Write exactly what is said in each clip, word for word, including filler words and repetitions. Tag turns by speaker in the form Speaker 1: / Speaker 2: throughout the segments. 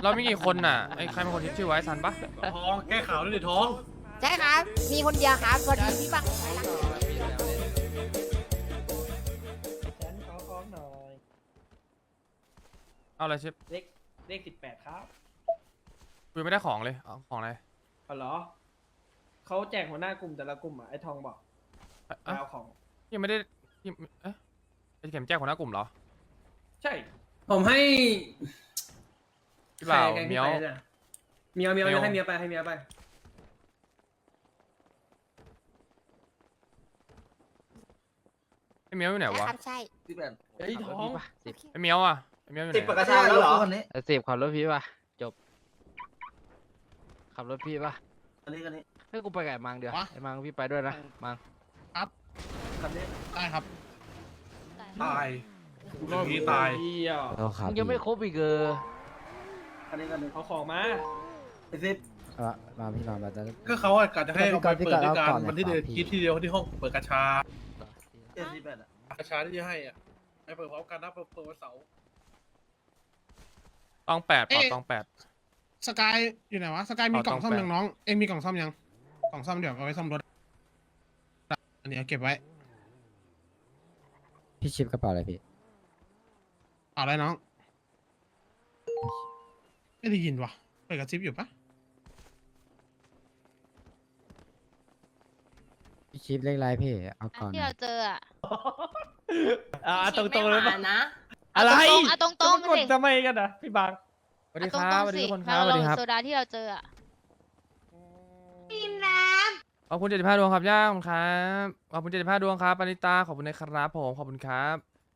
Speaker 1: เรามีกี่คนน่ะไอ้ใครเป็นคนที่ชื่อไว้ซันปะ
Speaker 2: ท้องแก้ข่าวด้วยดิท้อง
Speaker 3: ใช่ครับมีคนเดียวครับพอดีพี่บัง
Speaker 4: ฉันขอของหน่อย
Speaker 1: เอาอะไรชิป
Speaker 4: เลขเลขสิบแปดครับ
Speaker 1: กูยังไม่ได้ของเลยเอาของอะไร
Speaker 4: เอาเหรอเขาแจกหัวหน้ากลุ่มแต่ละกลุ่มอ่ะไอ้ทองบอก
Speaker 1: เอ๊ะ
Speaker 4: มาเอาของ
Speaker 1: ยังไม่ได้ยังเอ๊ะไอ้เข็มแจ้งหัวหน้ากลุ่มเหรอ
Speaker 4: ใช่
Speaker 5: ผมให้
Speaker 1: พี่บ่าว
Speaker 5: ใครแกง
Speaker 1: เมี
Speaker 5: ที่
Speaker 1: ยว
Speaker 5: ไปเนี่ยเมียวเมียว
Speaker 1: เมียว
Speaker 5: ให้เมียไปให้เมียไป
Speaker 1: ไอ้เมียวอยู่ไหน
Speaker 3: ใช่
Speaker 1: วะ
Speaker 3: ครับใช่
Speaker 5: สิบแปด
Speaker 4: ไอ้ทอง
Speaker 6: สิบ
Speaker 1: ไอ้เมียวอ่ะไอ้เมียวอยู่ไห
Speaker 5: สิบ
Speaker 1: น
Speaker 5: ปาก
Speaker 1: อะ
Speaker 5: กาชาแล้วเหรอ
Speaker 6: สิบขับรถพี่ป่ะจบขับรถพี่ป่ะ
Speaker 5: อันนี้อันนี้
Speaker 6: ให้กูไปกับไอ้มังเดี๋ยวไอ้มังพี่ไปด้วยนะมัง
Speaker 5: คันนี้
Speaker 2: ได้ครับ ตายกูรอบนี้ตาย
Speaker 4: เหี้ย
Speaker 7: เราขับ
Speaker 6: มึงยังไม่ครบอีกเออ
Speaker 5: คันนี้คันนี้
Speaker 4: เอาของมา
Speaker 5: ไอ้สิบ
Speaker 7: เออมาพี่มามาจะ
Speaker 2: ก็เขาอะกะจะให้เอาไป
Speaker 7: พี่
Speaker 2: เปิด
Speaker 7: ก่อน
Speaker 2: ด้วยกัน
Speaker 7: เอาก่อน
Speaker 2: วันที่เดียว
Speaker 7: พี่
Speaker 2: คิดที่เดียวที่ห้องเปิดกระชา
Speaker 5: เจ็ดสิบแปดอ่ะ
Speaker 2: กระชาที่จะให้อ่ะให้เปิดพร้อมกันนะเปิดเปิดวันเสาร์
Speaker 1: ตองแปดเปล่า
Speaker 8: เอ๊ะ
Speaker 1: ตองแปด
Speaker 8: สกายอยู่ไหนวะสกายมี
Speaker 1: เอา
Speaker 8: กล่องซ่อม
Speaker 1: ต้องแปะ
Speaker 8: ยังน้อง เอ็งมีกล่องซ่อมยังกล่องซ่อมเดี๋ยวเอาไว้ซ่อมรถอันนี้เอาเก็บไว้
Speaker 7: พี่ชิปกระเป๋าอะไรพี่
Speaker 8: เอาอะไรน้องไม่ได้ยินวะเปิดกระซิบอยู่ปะ
Speaker 7: พี่ชิปเลขอะไรพี่เอาก่อน
Speaker 9: ที่
Speaker 7: นะ
Speaker 9: เราเจออะ
Speaker 4: อ่าตรงตรงๆเลยปะ
Speaker 9: นะ
Speaker 4: อะไร
Speaker 9: เอาตรงๆเอาตรงๆ
Speaker 4: จะ
Speaker 9: สิ
Speaker 4: มากดทำไมกันอ่ะพี่บัง
Speaker 1: สวัสดี
Speaker 9: เอา
Speaker 1: ค
Speaker 9: ต
Speaker 1: รับ
Speaker 9: รง
Speaker 1: สวัส
Speaker 9: ๆ
Speaker 1: ดี
Speaker 9: สิ
Speaker 1: ทุกคนค
Speaker 9: มา
Speaker 1: รับสวัส
Speaker 9: ล
Speaker 1: ดี
Speaker 9: ง
Speaker 1: ครับ
Speaker 9: โซดาที่เราเจออะ
Speaker 1: ขอบคุณเจ็ดสิบห้าดวงครับย่าขอบคุณครับขอบคุณเจ็ดสิบห้าดวงครับปานิตาขอบคุณนะครับผมขอบคุณครับ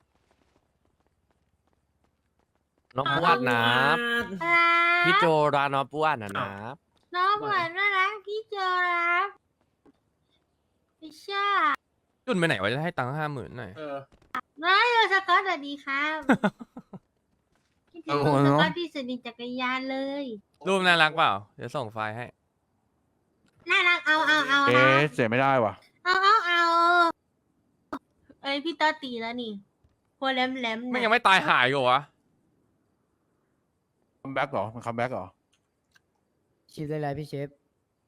Speaker 10: น้องปวดนะพี่โจราน้องปวดนะนะ
Speaker 9: น้องเหมือนน่ารักพี่เจอรับพี่ชา
Speaker 1: จุนไปไหนวะจะให้ตังค์ห้าหมื่นหน่อย
Speaker 2: เออ
Speaker 9: น้อยสกอตสวัสดีครับคิดถึงสกอตที่สุดในจักรยานเลย
Speaker 1: รูปน่ารักเปล่าเดี๋ยวส่งไฟล์ให้
Speaker 9: น่ารักเอาเอาเอา
Speaker 10: เอ๊ะเสียไม่ได้ว่ะ
Speaker 9: เอาเอาเอาเอ้ยพี่ตอตีแล้วนี่หัวแหลมแหลม
Speaker 1: ไม่ยังไม่ตายหายอยู่วะ
Speaker 10: คัมแบ็กเหรอ มันคัมแบ็กเหรอ
Speaker 7: ชิปเลขอะไรพี่ชิป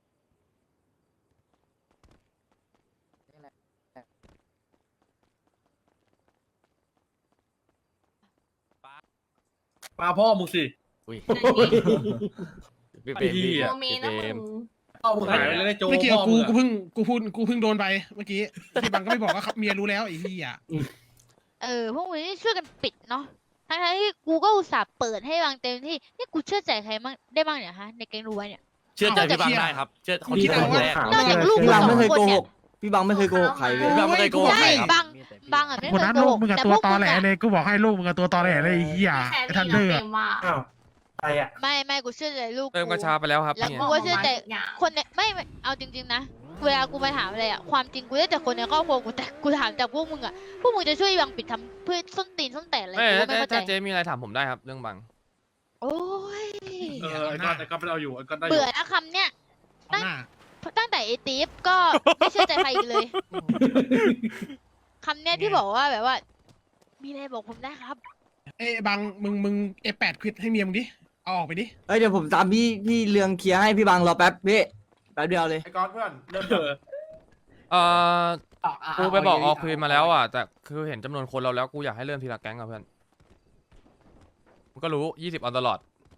Speaker 2: ปลาพ่อมึงสิ
Speaker 10: อุ้ย
Speaker 2: ไอ้เหี้ย
Speaker 9: โมเมนะมึง
Speaker 2: พ่อมึงหายไปเลยนะโจ
Speaker 8: ไม่เกี่ยว
Speaker 2: พ่อ
Speaker 8: กู
Speaker 2: มึง
Speaker 8: กู
Speaker 2: อะ
Speaker 8: เพิ่งกูพูดกูเพิ่งโดนไปเมื่อกี้พี่บังก็ไม่บอกว่าครับเมียรู้แล้วไอ้เหี้ย
Speaker 9: เออพวกมึงนี่ช่วยกันปิดเนาะทั้งๆที่กูก็อุตส่าห์เปิดให้วางเต็มที่นี่กูเชื่อใจใครมั่งได้บ้างเนี่ยฮะในแก๊งรู้ไว้เนี่ย
Speaker 10: เชื่อใจพี่บังได้ครับ เชื่อคน
Speaker 8: คิ
Speaker 10: ที่
Speaker 8: ด
Speaker 10: ค
Speaker 8: เอา
Speaker 10: น
Speaker 8: ว่า
Speaker 10: แรก
Speaker 9: นอกจากลูก
Speaker 5: พี่
Speaker 9: กู
Speaker 5: บัง
Speaker 9: สอ
Speaker 5: ไม่
Speaker 9: ง
Speaker 5: เคย
Speaker 9: คน
Speaker 5: โกห
Speaker 9: เนี่ย
Speaker 5: กพี่บังไม่เคยโกหกใครเลย
Speaker 10: พี่บังไม่เคยโกหกใคร
Speaker 9: ใช่
Speaker 10: ครับ
Speaker 9: บางบางอ่ะไม่เค
Speaker 8: คน
Speaker 9: ย
Speaker 8: นั้น
Speaker 9: โก
Speaker 8: ลู
Speaker 9: ห
Speaker 8: ก
Speaker 9: ก
Speaker 8: มึงกับ
Speaker 9: แต่
Speaker 8: ตั
Speaker 9: พ
Speaker 8: ว
Speaker 9: วก
Speaker 8: ตอ
Speaker 9: มึง
Speaker 8: แหล
Speaker 9: อะ
Speaker 8: เลยกูบอกให้ลูกมึงกับตัวตอแหลเลยไอ้เหี้ยไอ้ทันเดอร์อะ
Speaker 5: อ้าวใครอ่ะ
Speaker 9: ไม่ไม่กูเชื่อใจลูก
Speaker 1: เติมก
Speaker 9: กู
Speaker 1: ระชาไปแล้วครับ
Speaker 9: แล้ว
Speaker 1: เนี่ย
Speaker 9: กูก็เชื่อใจคนในไม่ไม่เอาจริงๆนะเวลากูไปถามอะไรอ่ะความจริงกูได้แต่คนในครอบครัวกูแต่กูถามจากพวกมึงอ่ะพวกมึงจะช่วยบังปิดทำเพื่อส้นตีนส้นแตนอะไร
Speaker 1: ไม่
Speaker 9: กูก็ไม่
Speaker 1: ถ้า
Speaker 9: เข้าใจ
Speaker 1: ถ้าเจ๊มีอะไรถามผมได้ครับเรื่องบัง
Speaker 9: โอ้ย
Speaker 2: เออไอ้ก้อนไอ้ก้อนไม่เอาอยู่ไอ้ก้อนได้อยู่
Speaker 9: เบื่อนะคำเนี้ย
Speaker 8: เอาหน้า
Speaker 9: ตั้งแต่ไอตีฟก็ไม่เชื่อใจใครอีกเลยคำเนี้ยที่บอกว่าแบบว่า มีอะไรบอกผมได้ครับ
Speaker 8: เอ้ยบังมึงมึงเอแปดควิดให้เมียมึงดิเอาออกไปดิ
Speaker 5: เอ้ยเดี๋ยวผมตามพี่พี่เรืองเคลียร์ให้พี่บังรอแป๊บพี่แป๊บเดียวเลย
Speaker 2: ไอ้ก้อนเพื่อนเริ่ม
Speaker 1: เออกูไปบอกออกคืนมาแล้วอ่ะแต่คือเห็นจำนวนคนเราแล้วกูอยากให้เริ่มทีละแก๊งอ่ะเพื่อนมึงก็รู้ยี่สิบออนตลอด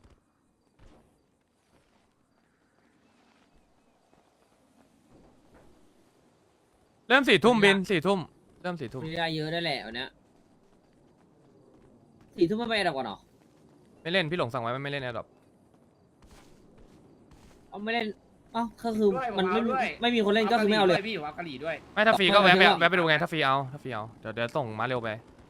Speaker 1: เริ่มสี่ทุ่มบินสี่ทุ่มเริ่มสี่ทุ่ม
Speaker 5: มีได้เยอะได้แหละวันเนี้ยสี่ทุ่มไม่ไปดับก่อนหรอ
Speaker 1: ไม่เล่นพี่หลงสั่งไว้ไม่เล่นแอร์ดรอป
Speaker 5: เอาไม่เล่นอ๋อก็คือมันไม่ไม่มีคนเล่นก็คือไม่เอาเลย
Speaker 4: พี่เอากะหรี่ด้วย
Speaker 1: ไม่ถ้าฟรีก็แวะไป
Speaker 5: เอาไป
Speaker 1: แวะไปดูไงถ้าฟรีเอาถ้าฟรีเอาเดี๋ยวเดี๋ยวส่งมาเร็วไป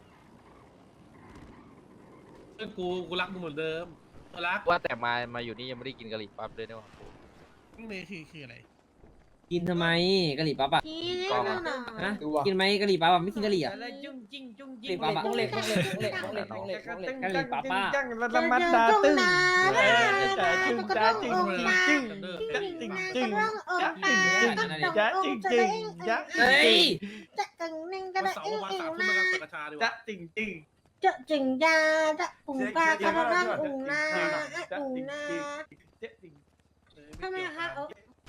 Speaker 2: กูกูรักมึงเหมือนเดิมกูรัก
Speaker 6: ว่าแต่มามาอยู่นี่ยังไม่ได้กินกะหรี่ปั๊บเลยเนี่ยว่ะ
Speaker 8: นี่เลยคือคืออะไร
Speaker 5: กินทำไมกะหรี่ปั๊บอ่ะ
Speaker 9: พี่
Speaker 6: กล้อง
Speaker 9: นั่
Speaker 6: อะ
Speaker 9: นน่ะ
Speaker 5: ฮะกินไหมกะหรี่ปั๊บอ่ะไม่กินกะหรี่อ่ะ
Speaker 4: จุ้งจิ้งจุ้ง
Speaker 5: กะห
Speaker 4: จิ้
Speaker 5: รี่
Speaker 4: ง
Speaker 5: ปั๊บอ่ะเหล็กเหล็กเหล็กเหล็กเหล็กเหล็กกะหรี่ปั๊บอ่ะ
Speaker 4: จังละมัดดาตึ้งจ้าจึงจ้าจึงจึงจ้าจึงจึงจ้าจึงจึงจ้าจึงจึงจ้า
Speaker 5: เฮ้ย
Speaker 2: วันเสาร์ประมาณสามทุ่มไปกันเปิดกระชาดีก
Speaker 4: จ้า
Speaker 2: ว่า
Speaker 4: จึงจึงจะจึงยาจะอุ๋งปลากระด้างอุ๋งนาอุ๋งนาทำไมคะเออ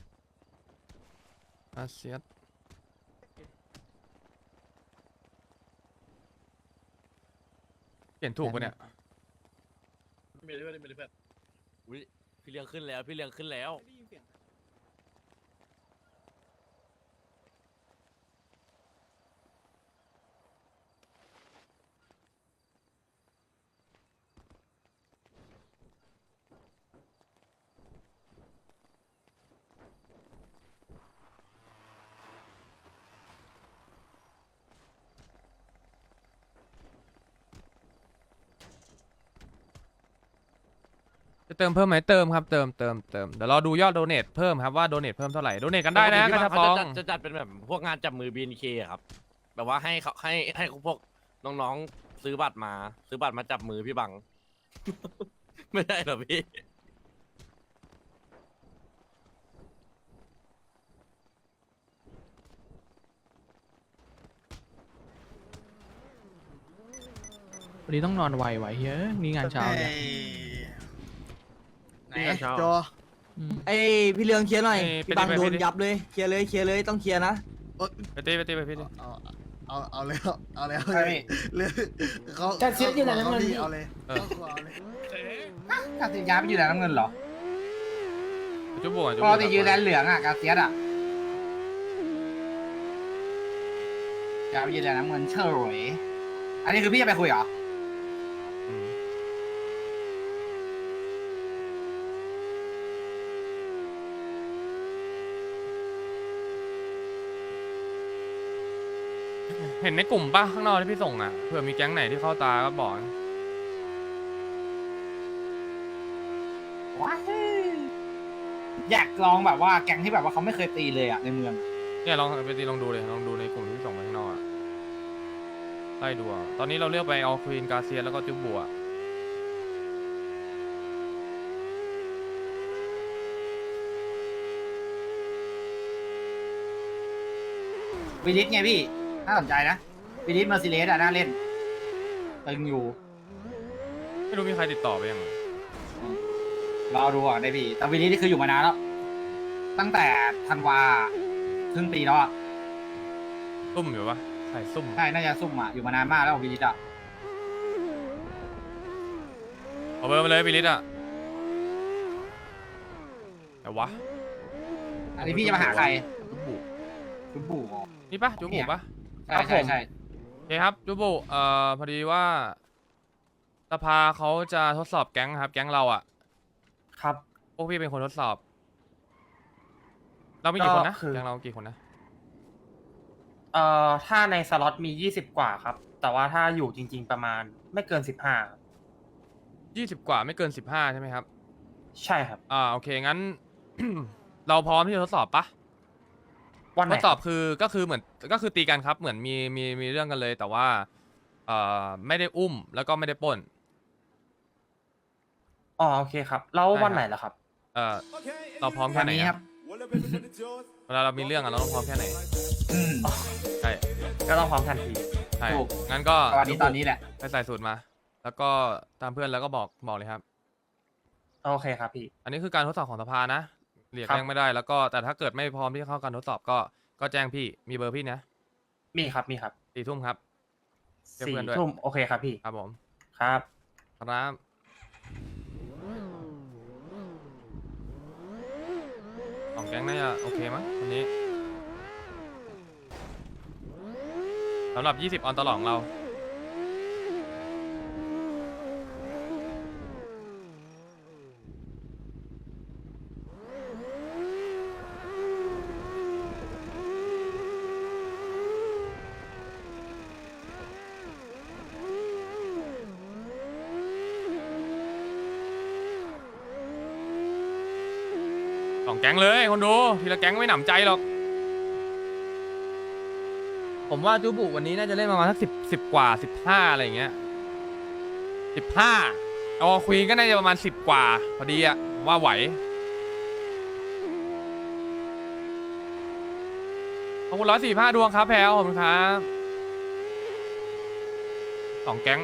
Speaker 1: อาเซียสเขียนถูกปะเนี่ย
Speaker 10: อุ๊ยพี่เลี้ยงขึ้นแล้ว พี่เลี้ยงขึ้นแล้ว
Speaker 1: จะเติมเพิ่มไหมเติมครับเติมเติมเติมเดี๋ยวรอดูยอดโดเนทเพิ่มครับว่าโดเนทเพิ่มเท่าไหร่โดเนทกันได้นะกระชับปอง
Speaker 10: จะจัดจะจัดเป็นแบบพวกงานจับมือ บี เอ็น เค อะครับ แบบว่าให้เขาให้ให้พวกน้องๆซื้อบัตรมา ซื้อบัตรมาจับมือพี่บัง ไม่ได้เหรอพี่
Speaker 6: วันนี้ต้องนอนไวไว้เฮ้ยนี่งานเช้าเนี่ย
Speaker 8: โจ
Speaker 6: ไอพี่เรืองเคลียร์หน่อย
Speaker 1: พี่บังโดนยับเลย
Speaker 6: เคลียร์เลยเคลียร์เลยต้องเคลียร์นะ
Speaker 1: ไปตีไปตีไปพี่ดิ
Speaker 8: เอาเอาเอาเลยเอาเลย
Speaker 3: ใช่พี่
Speaker 8: เลยเขา
Speaker 3: การเสียอยู่ไหนน้ำเงินพี่
Speaker 8: เอาเลย
Speaker 1: เออ
Speaker 8: เอาเลย
Speaker 3: การติดยาไปอยู่ไหนน้ำเงินเหรอ
Speaker 1: จุ๊บบวกจุ๊บ
Speaker 3: ป
Speaker 1: บว
Speaker 3: กติยืนแดนเหลืองอ่ะการเสียอ่ะยาไปยืนแดนน้ำเงินเฉยอันนี้คือพี่จะไปคุยเหรอ
Speaker 1: อืมเห็นในกลุ่มป่ะข้างนอกที่พี่ส่งอ่ะเผื่อมีแก๊งไหนที่เข้าตาก็บอกนะ
Speaker 3: ว้ายอยากลองแบบว่าแก๊งที่แบบว่าเขาไม่เคยตีเลยอ่ะในเมือง
Speaker 1: เนี่ยลองไปตีลองดูเลยลองดูในกลุ่มที่ส่งไปข้างนอกอะไล่ดูอะตอนนี้เราเลือกไปเอาควีนกาเซียแล้วก็จุ๊บบัว
Speaker 3: วิลิสไงพี่น่าสนใจนะวิลิสเมอร์ซิเลสอ่ะน่าเล่นตึงอยู่
Speaker 1: ไม่รู้มีใครติดต่อไปยังอะ
Speaker 3: รอดูอ่ะได้พี่แต่วิลิสนี่คืออยู่มานานแล้ว ตั้งแต่ธันวาครึ่งปีแล้วอ่ะ
Speaker 1: ซุ่มอยู่ปะใส่ซุ่ม
Speaker 3: ใช่น่าจะซุ่มอ่ะอยู่มานานมากแล้ววิลิสอ่ะ
Speaker 1: เอาเบอร์มาเลยบิลิสอะแต่วะ
Speaker 3: อันนี้พี่จะมาหาใคร
Speaker 1: จุ๊บบุ
Speaker 3: จุ๊บบูอ๋อ
Speaker 1: นี่ปะจุ๊บบุปะ
Speaker 3: ใช่ใช่ใช่
Speaker 1: โอเคครับจุ๊บบุเอ่อพอดีว่าสภาเขาจะทดสอบแก๊งครับ แก๊งเราอะ
Speaker 6: ครับ
Speaker 1: พวกพี่เป็นคนทดสอบ เรามีกี่คนนะ
Speaker 6: ก็คือ
Speaker 1: แก๊งเรากี่คนนะ
Speaker 6: เอ่อถ้าในสล็อตมียี่สิบกว่าครับ แต่ว่าถ้าอยู่จริง ๆ ประมาณไม่เกินสิบห้า
Speaker 1: ยี่สิบกว่าไม่เกินสิบห้าใช่ไหมครับ
Speaker 6: ใช่ครับ
Speaker 1: อ่าโอเคงั้น เราพร้อมที่จะทดสอบปะ
Speaker 6: วันไห
Speaker 1: ท
Speaker 6: น
Speaker 1: ดสอบคือก็คือเหมือนก็คือตีกันครับเหมือนมีมีมีเรื่องกันเลย แต่ว่าเอ่อไม่ได้อุ้มแล้วก็ไม่ได้ปล้น
Speaker 6: อ๋อโอเคครับ แล้ว
Speaker 1: ใช่ครับ
Speaker 6: วันไหนล่ะครับ
Speaker 1: เอ่อเราพร้อม
Speaker 3: วั
Speaker 1: แค่
Speaker 3: น
Speaker 1: ไหน
Speaker 3: นี้
Speaker 1: อะ
Speaker 3: ครับ
Speaker 1: เวลาเรามีเรื่องอะเราต้องพร้อมแค่ไหน
Speaker 3: อืม
Speaker 1: ใช่
Speaker 6: ก็ต้องพร้อมทันที
Speaker 1: ใช่
Speaker 3: ถูก
Speaker 1: งั้นก็
Speaker 3: ตอนนี้ตอนนี้แหละ
Speaker 1: ไปใส่สูตรมา แล้วก็ตามเพื่อนแล้วก็บอกบอกเลยครับ
Speaker 6: โอเคครับพี่
Speaker 1: อันนี้คือการทดสอบของสภานะเรียก
Speaker 6: ครับ
Speaker 1: แจ้งไม่ได้แล้วก็แต่ถ้าเกิดไม่พร้อมที่จะเข้าการทดสอบก็ก็แจ้งพี่มีเบอร์พี่นะ
Speaker 6: มีครับมีครับ
Speaker 1: สี่ทุ่มครับ เรียก
Speaker 6: สี่
Speaker 1: เพื่อนด้วย
Speaker 6: ทุ่มโอเคครับพี่
Speaker 1: ครับผม
Speaker 6: ครับ
Speaker 1: ครับสองแก๊งน่าจะโอเคมั้งวันนี้สำหรับยี่สิบออนตลอดของเรา สองแก๊งเลยคนดูทีละแก๊งไม่หนำใจหรอก ผมว่าจูบุวันนี้น่าจะเล่นประมาณสักสิบสิบกว่าสิบห้าอะไรอย่างเงี้ยสิบห้าเอาควีนก็น่าจะประมาณสิบกว่าพอดีอะผมว่าไหวขอบคุณร้อยสี่ห้าดวงครับแพลวขอบคุณครับสองแก๊ง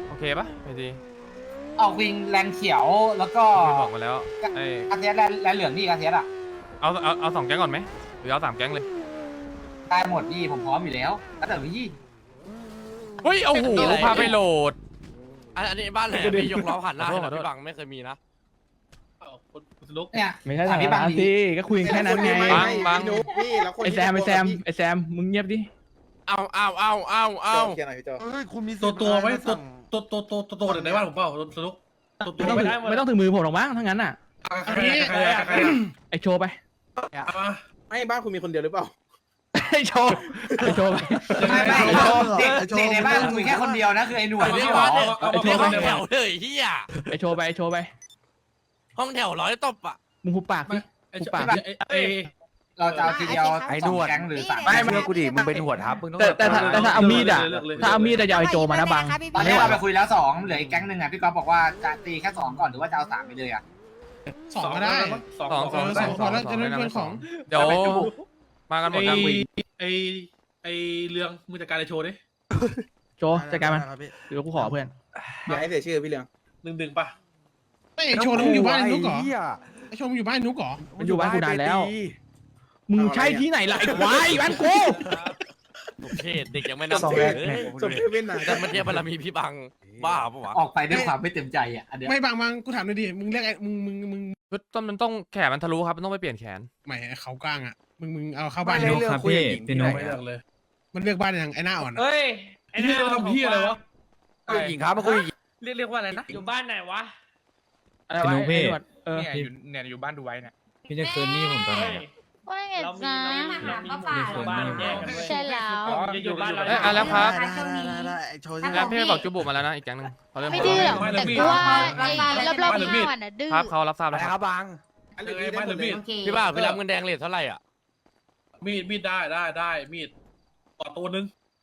Speaker 1: โอเคปะไอที
Speaker 3: ออกวิงแลนเขียวแล้วก็
Speaker 1: พี่บอกมาแล้วไอก
Speaker 3: ระเทียสแลนแลนเหลืองนี่กระเทียสอ่ะ
Speaker 1: เอาเอาเอาสองแก๊งก่อนไหมหรือเอาสามแก๊งเลย
Speaker 3: ได้หมดพี่ผมพร้อมอยู่แล้วแล้วแต่พี่
Speaker 1: เฮ้ยโอ้โหพาไปโหลด
Speaker 10: อันอันนี้บ้านไหนอะพี่ยกล้อผ่านหน้าให้หน่อย
Speaker 1: ขอโทษ
Speaker 10: พี่บังไม่เคยมีนะ
Speaker 8: คุณสนุก
Speaker 3: เนี่ย
Speaker 4: ไม่ใช่
Speaker 3: ถา
Speaker 4: ทาม ง
Speaker 3: พี่บัง
Speaker 4: นั้น
Speaker 3: ดิ
Speaker 4: สิก็คุยกันแค่นั้นไง
Speaker 1: บังบัง
Speaker 4: ไอแซมไอแซมไอแซมมึงเงียบดิ
Speaker 10: เอาเอาเอาเอาเอา
Speaker 8: ตัวตัวไว้ตัวตัวตัวตัวตัวตัวในบ้านผมเปล่าสนุกตัวตัว
Speaker 4: ไม่ต้องถึงไม่ต้องถึงมือผมหรอกมั้งทั้งนั้นอ่ะ
Speaker 8: ใครใครใคร
Speaker 4: ไอโชว์ไป
Speaker 8: ไม่บ้านคุณมีคนเดียวหรือเปล่า
Speaker 4: ไอโชว์ไอโชว์ไป
Speaker 3: ไม่ไม่เด็กเด็กในบ้านมึงมีแค่คนเดียวนะคือไอ้หนวด
Speaker 10: เรี
Speaker 3: ไม่
Speaker 10: ยก
Speaker 3: ใช่หร
Speaker 10: ว่า
Speaker 3: อ
Speaker 10: เรียกห้องแถวเลยเฮีย
Speaker 4: ไอโชว์ไปไอโชว์ไป
Speaker 10: ห้องแถวร้อยตบอ่ะ
Speaker 4: มึงหุบปากดิ
Speaker 8: ไอ้
Speaker 4: หุบ
Speaker 8: ปา
Speaker 4: ปาก ก
Speaker 8: ไอ้
Speaker 3: เราจะเอาทีเดียว
Speaker 2: ไอ้
Speaker 3: ส
Speaker 2: หน
Speaker 3: อง
Speaker 2: วด
Speaker 3: แก๊งหรือสาม
Speaker 2: ไม่
Speaker 3: แก๊ง
Speaker 2: ไม่กูดิมึงเป็นหัวทับมึงต้อง
Speaker 4: แต่แต่ถ้าแต่ถ้าเอามีดอ่ะถ้าเอามีดอะอย่าเอาไอโจมานะบัง
Speaker 3: ตอนนี้เราไปคุยแล้วสองเหลืออีกแก๊งหนึ่งอ่ะพี่ก๊อฟบอกว่าจะตีแค่สองก่อนหรือว่าจะเอาสามไปเลยอ่ะ
Speaker 8: สองก็ได้
Speaker 1: สองสอง
Speaker 8: สองพอแล้วจะได้เป็นของ
Speaker 1: เดี๋ยวมากันหมด
Speaker 8: ไอ้
Speaker 1: กลางวิน
Speaker 8: ไอ้ไอ้เรื่องมือจัดการไอ้โชว์ดิ
Speaker 4: โจจัดการมันเดี๋ยวกูขอเพื่อน
Speaker 11: อย่าให้เสียชื่อพี่เรือง
Speaker 8: หนึ่งหนึ่งป่ะไม่ไอ้โชว์มึงอยู่บ้านไอ้นุ๊กเหรอไอ้โชว์มึงอยู่บ้านไอ้นุ๊กเหรอ
Speaker 4: มันอยู่บ้านกูนานแล้ว มึงใช่ที่ไหนล่ะไอ้ควายบ้านกู
Speaker 10: โอเคเด็กยังไม่นับ
Speaker 11: สอง
Speaker 10: ถื
Speaker 11: แร
Speaker 10: อก เลย
Speaker 11: สมเพศเป็นหนา
Speaker 10: แต่มันเทียบบารมีพี่บังบ้าปะวะ
Speaker 3: ออกไปด้วยความไม่เต็มใจอ่ะอันเนี้ย
Speaker 8: ไม่บางบางกูถามหน่อยดิมึงเรียกไอ้มึงมึงมึง
Speaker 1: คือต้นมันต้องแขนมันทะลุครับมันต้องไปเปลี่ยนแขน
Speaker 8: หมายไอ้เขากลางอ่ะมึงมึงเอาเข้า
Speaker 11: บ้า
Speaker 8: บ้าน น
Speaker 11: เรื่
Speaker 8: นุ๊ก
Speaker 11: องคุยกับหญิงที่ไหน
Speaker 8: ไม่เลือกเลย มันเลือกบ้านยังไอ้หน้าอ่อนอะ
Speaker 5: เฮ้ย
Speaker 8: ไอ้นี่เราทำพี่อะไรวะ
Speaker 11: คุยกับหญิงครับมาคุยกับหญิง
Speaker 5: เรียกเรียกว่าอะไรนะ อยู่บ้านไหนวะ
Speaker 4: อะไรวะไอ้หนวดเออ
Speaker 11: เนี่ยอยู่เนี่ยอยู่บ้านดูไว้เนี่ย
Speaker 2: พี่จะคืนนี่ผมตอนไหน
Speaker 9: ว่าไง
Speaker 5: เรามี
Speaker 9: จ๊ะ
Speaker 5: เรามีเรามีหมู่บ้านแยกกันด้วย
Speaker 9: ใช่แล้ว
Speaker 5: จะอยู่บ้านเรา
Speaker 1: เอ้ยอ่ะแล้วครับ
Speaker 2: โชว์
Speaker 1: แล้วพี่บอกจุบุมาแล้วนะอีกแก๊งหนึงเขาเริ่ม
Speaker 9: ไม่ดื้อหรอกแต่กูว่าไอ้รอบๆหน้ามันอ่ะดื้อ
Speaker 1: ครับเขารับทราบ
Speaker 2: อะไร
Speaker 1: แล้วค
Speaker 2: ครับ รับบัง
Speaker 8: อันนี้ไม่หรือมีด
Speaker 10: พี่บ้าพี่รับเงินแดงเลทเท่าไหร่อ่ะ
Speaker 8: มีดมีดได้ได้ได้มีดต่อตัวนึง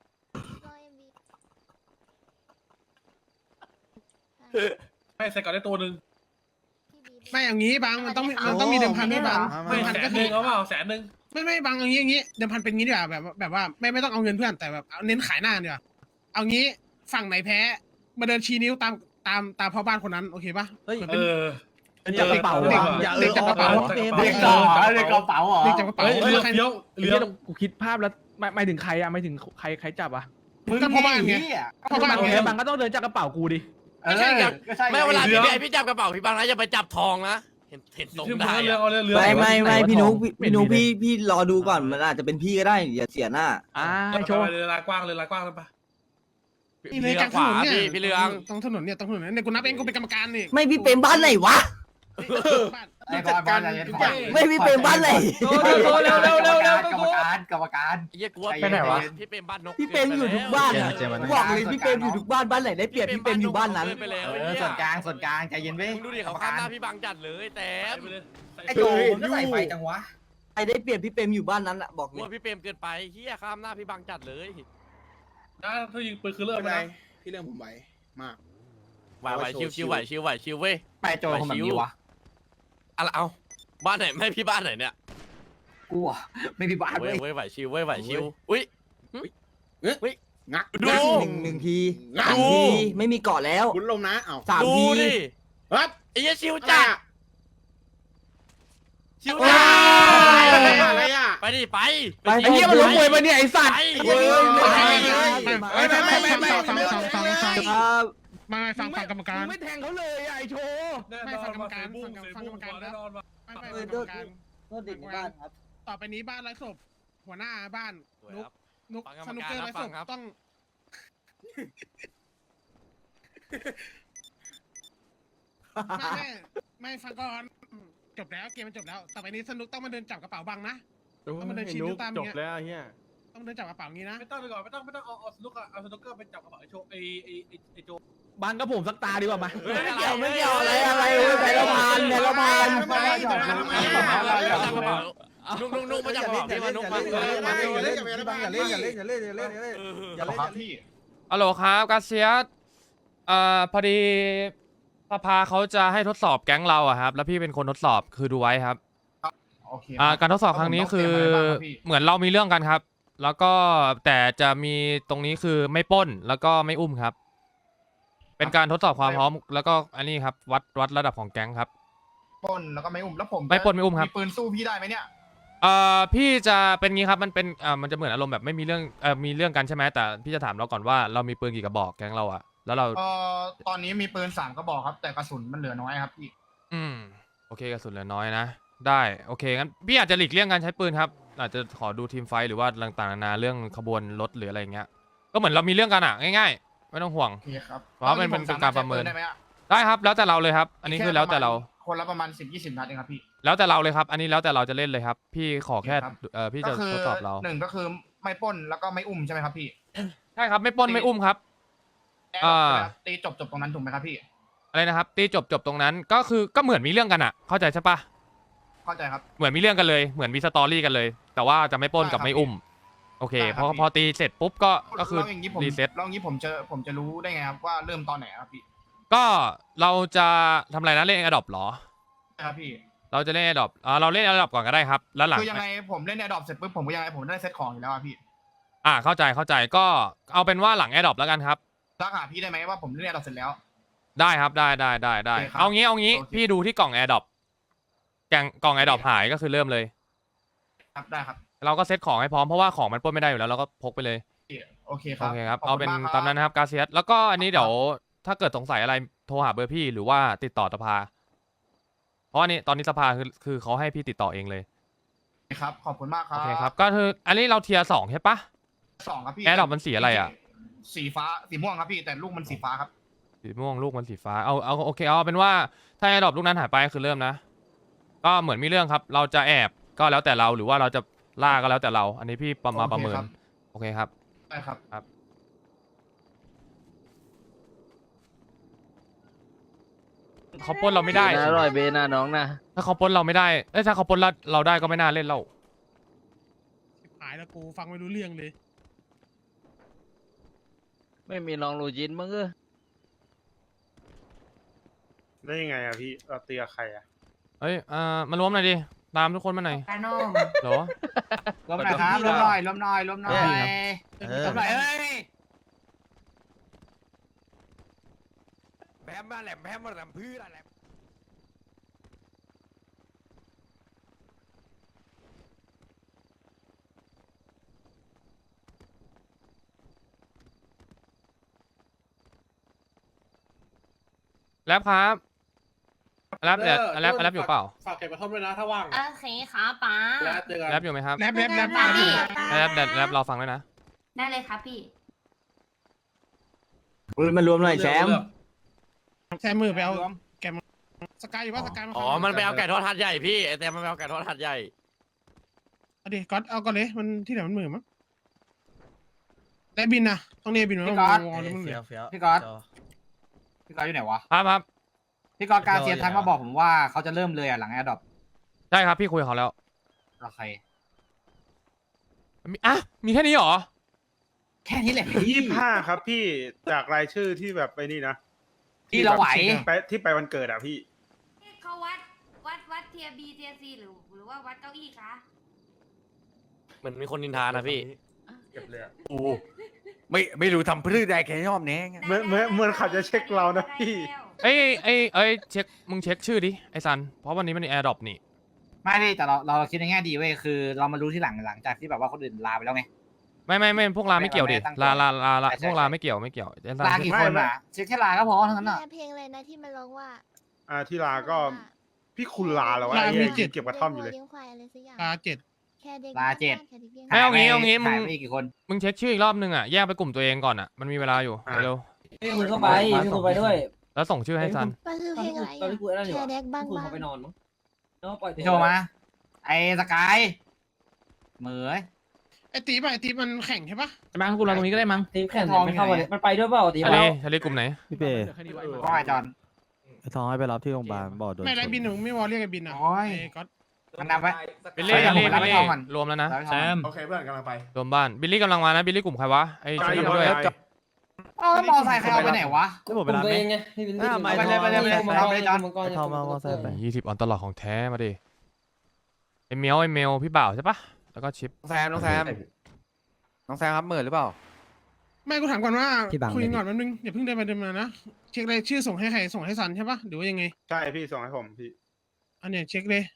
Speaker 8: ไม่ใส่ก่อนได้ตัวนึงไม่อย่างนี้บางมันต้องมันต้องมีเดิมพันด้วยบาง
Speaker 11: ไม่
Speaker 8: เดิมพัน
Speaker 11: แส
Speaker 8: ก็
Speaker 11: น
Speaker 8: คื
Speaker 11: หนึ่
Speaker 8: อง
Speaker 11: เอาเปล่าแสนหนึ่ง
Speaker 8: ไม่ไม่บางอย่างนี้อย่างนี้เดิมพันเป็นงี้ดีกว่าแบบแบบว่าไม่ไม่ต้องเอาเงินเพื่อนแต่แบบเอาเน้นขายหน้าดีกว่าเอางี้ฝั่งไหนแพ้มาเดินชี้นิ้วตามตามตามพ่อบ้านคนนั้นโอเคปะ
Speaker 11: เฮ้ย
Speaker 8: มัน
Speaker 11: เอ
Speaker 8: เป็น
Speaker 11: อ
Speaker 4: จับกระเป๋า
Speaker 8: เด็ก
Speaker 4: วะ
Speaker 11: อย่าเอ
Speaker 8: เด็
Speaker 11: อก
Speaker 8: จับกระเป๋า
Speaker 3: เด็กต่อเด็กกระเป๋าเหรอ
Speaker 8: เด็กจับกระเป๋า
Speaker 11: เฮ้ย
Speaker 8: เอ
Speaker 11: เรือ
Speaker 8: อใคร
Speaker 11: เลี้ยว
Speaker 4: ไอ้
Speaker 11: เลี้ย
Speaker 4: เหี้ยว กูคิดภาพแล้วไม่ไม่ถึงใครอะไม่ถึงใครใครจับอะ
Speaker 3: มึง
Speaker 8: ก็พ่อบ้านไง
Speaker 3: เหี้ย
Speaker 8: พ่อบ้าน
Speaker 4: โอ
Speaker 8: ไง
Speaker 4: เคบังก็ต้องเดินจากกระเป๋ากูดิ
Speaker 3: ไม่ใช่ไงก็ใช่ไง
Speaker 10: ไม่เวลาพี่พี่จับกระเป๋าพี่บังนะอย่าไปจับทองนะเห็นเห็นทรง
Speaker 8: ที่มึง
Speaker 10: ได้
Speaker 8: เอาเรือ
Speaker 10: อะ
Speaker 8: เอาเรือเรือ
Speaker 4: ไม่ไม่ไม่พี่นุ๊กพี่
Speaker 7: พี่นุ๊กพี่พี่รอดูก่อนมันอาจจะเป็นพี่ก็ได้อย่าเสียหน้า
Speaker 4: อ่า
Speaker 8: ไอ้
Speaker 4: ไอ้
Speaker 8: โช
Speaker 4: โช
Speaker 8: ว์
Speaker 4: ว์
Speaker 8: เรือลายกว้างเรือลายกว้างแล้วปะ
Speaker 10: พี่เรืองขวาพี่พี่เรือง
Speaker 8: ตรงถนนเนี่ยตรงถนนเนี่ยกูนับเองกูเป็นกรรมการนี่
Speaker 7: ไม่พี่เปรมบ้านไหนวะ
Speaker 3: ไอ้บอลบอลอะไรบอล
Speaker 7: ไม่พี่เปรมบ้านไหน
Speaker 3: เร็วเร็วเร็วเร็วกรรมการกรรมการ
Speaker 10: ไอ้เหี้ยกูว่า
Speaker 3: ไปไหนวะ
Speaker 10: พี่เป็นบ้านนก
Speaker 7: พี่เปรมอยู่ทุกบ้านอะ
Speaker 10: เกิไปแล้ว
Speaker 7: บอกเลยพี่เปรมอยู่ทุกบ้านบ้านไหนได้เปรียบพี่เปรมอยู่บ้านนั้น
Speaker 10: เกิไปแล้ว
Speaker 3: เอ
Speaker 10: ไอ้
Speaker 3: อ
Speaker 10: เหี้ย
Speaker 3: ส่วนกลางส่วนกลางใจเย็นเว้ย
Speaker 10: มึงดูดิเขาข้ามหน้าพี่บังจัดเลยแต่
Speaker 3: ไอ้โจมึงก็ใส่ไฟจังวะ
Speaker 7: ใครได้เปรียบพี่เปรมอยู่บ้านนั้นอะบอก
Speaker 10: กู
Speaker 7: เลย
Speaker 10: ว่าพี่เปรมเกินไปเฮียข้ามหน้าพี่บังจัดเลย
Speaker 8: ถ้าถ้ายิงปืนคือเลิก
Speaker 11: ไม่
Speaker 8: ไป
Speaker 11: เป็นไร
Speaker 8: นะ
Speaker 11: พี่เรื่องผมไหวมาก
Speaker 10: ไหวไหวชิวชิวไหวชิวไหวชิวเว้ย
Speaker 3: ไปโจคนแบบนี้วะ
Speaker 10: อะไรเอาบ้านไหนไม่พี่บ้านไหนเนี่ย
Speaker 3: กูอ่ะไม่มีบ้าน
Speaker 10: เว้
Speaker 3: เว้
Speaker 10: ย
Speaker 3: ย
Speaker 10: เว้ยไหวชิวเว้ยไหวชิวอุ้ย
Speaker 11: งัก
Speaker 10: ดู
Speaker 7: หนึ่งหนึ่งที
Speaker 11: งัก
Speaker 7: สามทีไม่มีเกาะแล้ว
Speaker 11: คุณลมนะเอ้า
Speaker 7: สาม
Speaker 10: ดู
Speaker 7: ที
Speaker 10: ดิ
Speaker 11: ครับ
Speaker 10: ไอ้เหี้ยชิว
Speaker 11: อะไร
Speaker 10: จัด
Speaker 11: อะ
Speaker 10: ชิว
Speaker 11: อะ
Speaker 10: จัด
Speaker 11: ไรอะอะไรอะ
Speaker 10: ไปดิไป
Speaker 7: ไป
Speaker 4: ไอ้เหี้ยมันล้มมวยมาเนี่ยไอ้สัตว์
Speaker 10: ไป
Speaker 11: เฮ้ย
Speaker 8: ไม่ไม่ไม่ไม่ไม่ฟังฟังฟังฟัง
Speaker 7: ครับ
Speaker 8: ไม่ฟังฟังกรรมการ
Speaker 4: มึงไม่แทงเขาเลยอะไอ้โชว์
Speaker 8: ไม่ฟังกรรมการฟังฟังกรรมการแล้วไม่ไม่ฟังกรรมการ
Speaker 7: โทษเด็กในบ้านครับ
Speaker 8: ต่อไปนี้บ้านไร้ศพหัวหน้าบ้านนุกนุกสนุกเกอร์ไร้ศพต้องไม่ไม่ไม่ฟังก่อนจบแล้วเกมมันจบแล้วต่อไปนี้สนุกต้องมาเดินจับกระเป๋าบังนะต้องมาเดินชี้นิ้วตามอย่างเงี้ย
Speaker 4: แล้วเฮีย
Speaker 8: ต้องเดินจับกระเป๋าอย่างงี้นะไม่ต้องไปก่อนไม่ต้องไม่ต้องเอาเอาสนุกเอาสนุกเกอร์ไปจับกระเป๋าไอ้โชไอ้ไอ้ไอ้โจ
Speaker 4: บังกับผมสักตาดีกว่ามา
Speaker 7: ไม่เกี่ยวไม่เกี่ยวอะไรอะไรเว้ยไปละพันไปละพัน
Speaker 10: นุ่งนุ่งนุ่งมาจากบอกพี่มานุ่งมา
Speaker 11: อย่าเล่นอย่าเล่นอย่าเล่นอย่าเล่นอย่าเล่นอย่าเล่นอย่าเล่นอย่าเล่นครับพี่
Speaker 1: ฮัลโหลครับกาเซียสเอ่อพอดีสภาเขาจะให้ทดสอบแก๊งเราอะครับ แล้วพี่เป็นคนทดสอบคือดูไว้ครับ
Speaker 11: โอเค
Speaker 1: อ่าการทดสอบครั้งนี้คือเหมือนเรามีเรื่องกันครับ แล้วก็แต่จะมีตรงนี้คือไม่ปล้นแล้วก็ไม่อุ้มครับเป็นการทดสอบความพร้อมแล้วก็อันนี้ครับวัดวัดระดับของแก๊งครับ
Speaker 3: ปล้นแล้วก็ไม่อุ้มแล้วผม
Speaker 1: ไม่ปล้นไม่อุ้มครับ
Speaker 3: มีปืนสู้พี่ได้ไหมเนี่ย
Speaker 1: เอ่อพี่จะเป็นงี้ครับมันเป็นอ่ามันจะเหมือนอารมณ์แบบไม่มีเรื่องเอ่อมีเรื่องกันใช่ไหมแต่พี่จะถามเราก่อนว่าเรามีปืนกี่กระบอกแก๊งเราอะแล้วเรา
Speaker 3: เอ่อตอนนี้มีปืนสามกระบอกครับ แต่กระสุนมันเหลือน้อยครับพี่
Speaker 1: อืมโอเคกระสุนเหลือน้อยนะได้โอเคงั้นพี่อาจจะหลีกเลี่ยงการใช้ปืนครับอาจจะขอดูทีมไฟท์หรือว่าต่างๆนานาเรื่องขบวนรถหรืออะไรอย่างเงี้ยก็เหมือนเรามีเรื่องกันอะง่ายๆไม่ต้องห่วง
Speaker 3: โอเคครับ
Speaker 1: เพราะว่ามันเป็น
Speaker 3: ตอ
Speaker 1: การประเมิน
Speaker 3: ใช้ปืได้ไหมอะ
Speaker 1: ได้ครับแล้วแต่เราเลยครับ อันนี้คือแล้วแต่เรา
Speaker 3: คนละประมาณสิบยี่สิบนัดเองครับพี่
Speaker 1: แล้วแต่เราเลยครับ อันนี้แล้วแต่เราจะเล่นเลยครับ พี่ขอแค่
Speaker 3: ครับ
Speaker 1: เออพี่
Speaker 3: ก็
Speaker 1: จะ
Speaker 3: คือ
Speaker 1: ทดสอบเรา
Speaker 3: หนึ่งก็คือไม่ปล้นแล้วก็ไม่อุ้มใช่ไหมครับพี่
Speaker 1: ใช่ครับไม่ปล้นไม่อุ้มครับ อ่า
Speaker 3: ตีจบจบตรงนั้นถูกไหมครับพี่
Speaker 1: อะไรนะครับตีจบจบตรงนั้นก็คือก็เหมือนมีเรื่องกันอะเข้าใจใช่ปะ
Speaker 3: เข้าใจครับ
Speaker 1: เหมือนมีเรื่องกันเลยเหมือนมีสตอรี่กันเลย แต่ว่าจะไม่ปล้นกับไม่อุ้มโอเค
Speaker 3: ได้ครับ
Speaker 1: พอ
Speaker 3: พี่
Speaker 1: พอตีเสร็จปุ๊บก็ก็คือ
Speaker 3: แล้วอย่างนี้ผม
Speaker 1: รีเซ็ต
Speaker 3: แล้วอย่างนี้ผมจะผมจะรู้ได้ไงครับว่าเริ่มตอนไหนครับพี่
Speaker 1: ก็เราจะทำอะไรนะเล่นแอดดอปหรอ
Speaker 3: ครับพี่
Speaker 1: เราจะเล่นแอดดอปอ่าเราเล่นแอดดอปก่อนก็ได้ครับแล้วหลัง
Speaker 3: คือยังไงผมเล่นแอร์ดรอปเสร็จปุ๊บผมก็ยังไงผมได้เซตของอยู่แล้วอะพี่
Speaker 1: อ่าเข้าใจเข้าใจก็เอาเป็นว่าหลังแอดดอปแล้วกันครับ
Speaker 3: ทักหาพี่ได้ไหมว่าผมเล่นแอร์ดรอปเสร็จแล้ว
Speaker 1: ได้ครับได้ได้ได้ได้
Speaker 3: โอเคครับ
Speaker 1: เอางี้เอางี้
Speaker 3: โอเค
Speaker 1: พี่ดูที่กล่องแอร์ดอปแกงกล่องแอร์ดอปหายก็คือเริ่มเลย
Speaker 3: ครับได้ครับ
Speaker 1: เราก็เซตของให้พร้อมเพราะว่าของมันปล้นไม่ได้อยู่แล้วเราก็พกไปเลย
Speaker 3: โอเคค
Speaker 1: โอ
Speaker 3: รับ
Speaker 1: เคครับ
Speaker 3: ข
Speaker 1: เอา
Speaker 3: ณ
Speaker 1: เป็น
Speaker 3: กครับ
Speaker 1: ตามนั้นนะครับกาเซียสแล้วก็อันนี้เดี๋ยวถ้าเกิดสงสัยอะไรโทรหาเบอร์พี่หรือว่าติดต่อสภา เพราะอันนี้ตอนนี้สภาคือคือเขาให้พี่ติดต่อเองเลย
Speaker 3: ครับขอบคุณมากครั
Speaker 1: โอบ เคครับก็คืออันนี้เราเทียร์สองใช่ปะ
Speaker 3: สองครับพี่
Speaker 1: แอร์ดรอปมันสีอะไรอะ
Speaker 3: สีฟ้าสีม่วงครับพี่แต่ลูกมันสีฟ้าครับ
Speaker 1: สีม่วงลูกมันสีฟ้าเอาเอาโอเคเอาเป็นว่าถ้าแอร์ดรอปลูกนั้นหายไปคือเริ่มนะ ก็เหมือนมีเรื่องครับ เราจะแอบก็แล้วแต่เราหรือว่าเราจะล่าก็แล้วแต่เรา อันนี้พี่ประมาณประเมินโอเคครับ
Speaker 3: ได้ครับ
Speaker 1: ครับ เขาปล้นเราไม่ได้
Speaker 7: อร่อยเบน่าน้องนะ
Speaker 1: ถ้าเขาปล้นเราไม่ได้เอ้ยถ้าเขาปล้นเราเราได้ก็ไม่น่าเล่นเรา
Speaker 8: หายแล้วกูฟังไม่รู้เรื่องเลย
Speaker 7: ไม่มีน้องลูจินมั้งเออ
Speaker 11: ได้ยังไงอะพี่เราเตียใครอะ
Speaker 1: เอ้ยอ่ามารวมหน่อยดิตามทุกคนมาหน่อย
Speaker 3: กานม
Speaker 1: เหรอ
Speaker 3: รวมหน่อยครับรวมหน่อยรวมหน่อยรวมหน่อย
Speaker 7: เออ
Speaker 3: รวมหน่อยเอ้ย
Speaker 10: แพมมาแหลมแพมมาแหลมพื้นอะไร
Speaker 1: แรปครับแรปเนี่ยแรปแรปอยู่เปล่า
Speaker 8: ฝากเก็บกระท่อมด้วยนะถ้าว่าง
Speaker 2: โอเคครับป้า
Speaker 8: แล้วเจอกัน
Speaker 1: แรปอยู่ไหมครับ
Speaker 8: แรปแรปแรป
Speaker 2: ได้
Speaker 1: แรปแรปแรปเราฟังด้วยนะ
Speaker 2: ได้เลยครับพี่
Speaker 7: มารวมหน่อยแชมป์
Speaker 8: แชมมือไปเอาแกมสกายอยู่ว่าสกายมา
Speaker 10: อ๋อ มันไปเอาไก่ทอดทัดใหญ่พี่ไอแต่มันไปเอาไก่ทอดทัดใหญ่
Speaker 8: เอาดิก๊อตเอาก่อนเลยมันที่ไหนมันมือมั้งได้บินนะต้องเนบินมั้ง
Speaker 3: พี่ก๊อต
Speaker 8: วอลมันเหลือ
Speaker 3: พี่ก๊อตพี่ก๊อตอยู่ไหนวะ
Speaker 1: ครับครับ
Speaker 3: พี่ก๊อตการเซียทักมาบอกผมว่าเขาจะเริ่มเลยอ่ะหลังแอร์ดรอป
Speaker 1: ใช่ครับพี่คุยกับเขาแล้ว
Speaker 3: โอเค
Speaker 1: มีอ่ะมีแค่นี้เหรอ
Speaker 3: แค่นี้แหละ
Speaker 11: ยี่สิบห้าครับพี่จากรายชื่อที่แบบไปนี่นะ
Speaker 3: ที่เราไหว
Speaker 11: ไปที่ไปวันเกิดอะพี่
Speaker 2: เขาวัดวัดวัดเทียบีเทียซีหรือหรือว่าวัดเก้าอี้คะ
Speaker 10: เหมือนมีคนนินทานะพี่
Speaker 11: เก็บเลยอะ
Speaker 7: โอ้ไม่ไม่รู้ทำพืชได้แค่ยอมแน่ไง
Speaker 11: เหมือนเหมือนเหมือนเขาจะเช็คเรานะพี่
Speaker 1: เอ้ยเอ้ยเอ้ยเช็คมึงเช็คชื่อดิไอซันเพราะวันนี้มันแอร์ดรอปนี่
Speaker 3: ไม่ดิแต่เราเราคิดในแง่ดีเว้ยคือ เรามารู้ที่หลังหลังจากที่แบบว่าคนอื่นลาไปแล้วไง
Speaker 1: ไม่ไม่ไม่พวกลาไม่เกี่ยวดิ
Speaker 3: ตั้งตัว
Speaker 1: ลาลาลาลา
Speaker 3: ใช่ใช่
Speaker 1: พวกลาไม่เกี่ยวไม่เกี่ยวไอ้ซัน
Speaker 3: ลากี่คนอ่ะเช็คแค่ลาก็พอทั้งนั้นอ่ะ
Speaker 9: เพลงอะไรนะที่มันร้องว่า
Speaker 11: อ่าที่ลาก็พี่คุณลาแล้ววะ
Speaker 8: ลา
Speaker 11: ไอ้
Speaker 8: มี
Speaker 11: เหี้ย
Speaker 8: เจ็ด
Speaker 11: เก็บกระท่อมอยู่เลย
Speaker 9: ลี้งควายอะไรสักอย่าง
Speaker 8: ลาเจ็ด
Speaker 9: แค่เด็ก
Speaker 3: ลาเจ็ด
Speaker 9: แค่ด็กลี้ยง
Speaker 1: ไม่เอางี้เอางี้มึ
Speaker 3: หาย
Speaker 1: ง
Speaker 3: ไปกี่คน
Speaker 1: มึงเช็คชื่ออีกรอบนึงอ่ะแยกไปกลุ่มตัวเองก่อนอ่ะมันมีเวลาอยู่
Speaker 11: อ่ะ
Speaker 1: เร็ว
Speaker 5: พี่คุณเข้าไปพี่คุณไปด้วย
Speaker 1: ๆแล้วส่งชื่อให้ซัน
Speaker 9: มันคือเพลงอะไร
Speaker 5: ตอนที่กูไอ้นั่นอยู่
Speaker 9: แค่เด็กบ้าง
Speaker 5: คุณ
Speaker 9: บ้าง
Speaker 5: เขาไปนอนมั้งแล้วปล่อย
Speaker 3: พี่โชว์มา ไอ้สกายเหมย
Speaker 8: ไอตีป่ะไอตีมันแข่งใช่ปะ
Speaker 5: จะมากูรอตรงนี้ก็ได้มั้งทีมแข่งไม่เข้ามาเลยมันไปด้วยเปล่าทีม
Speaker 1: ทะเลทะเลกลุ่มไหน
Speaker 7: พี่เป้
Speaker 3: ว่าไงจอน
Speaker 7: ไอ้ทองให้ไปรับที่โรงพยาบาลบอกโดน
Speaker 8: ไม่ไรบินหนูไม่วอลเรียกไอบินอ่ะ
Speaker 3: โอ้ย
Speaker 8: ไอก๊อต
Speaker 3: มันนับไว้
Speaker 1: บิลลี่
Speaker 3: ไป
Speaker 1: บิลลี่
Speaker 3: ผมไปรับ
Speaker 1: บิล
Speaker 3: ให้
Speaker 1: ลี่
Speaker 3: ทองก่อน
Speaker 1: รวมแล้วนะ
Speaker 3: แซม
Speaker 11: โอเคเพื่อนกำลังไป
Speaker 1: รวมบ้านบิลลี่กำลังมานะบิลลี่กลุ่มใครวะไอ้
Speaker 11: ไป
Speaker 1: ช่วย
Speaker 11: อยู่
Speaker 1: กันด้วย
Speaker 11: ไป
Speaker 3: เอาแล้วมอไซค์ใครเอาไปไหนวะ
Speaker 7: ได้หมด
Speaker 5: เป็
Speaker 7: เวน ลา
Speaker 5: ตัว
Speaker 7: ไหม
Speaker 5: เองไงพี่วิลลี่
Speaker 7: อ่ะ
Speaker 3: ไปเลยไปเลยไปเลยเอาไปเลยจอน
Speaker 7: ไอ้ทองมามอไซค์ไป
Speaker 1: ยี่สิบออนตลอดของแท้มาดิไอเมลไอเมลพี่บ่าวใช่ปะแล้วก็ชิป
Speaker 7: น้องแซมน้องแซมน้องแซมครับเหมือนหรือเปล่า
Speaker 8: ไม่กูถามก่อนว่า
Speaker 7: พี่บัง
Speaker 8: คุยกัน
Speaker 7: เลยดิ
Speaker 8: ก่อนแป๊บนึงอย่าเพิ่งเดินไปเดินมานะเช็คเลยชื่อส่งให้ใครส่งให้ซันใช่ปะหรือว่ายังไง
Speaker 11: ใช่พี่ส่งให้ผมพี่
Speaker 8: อันเนี้ยเช็คเลย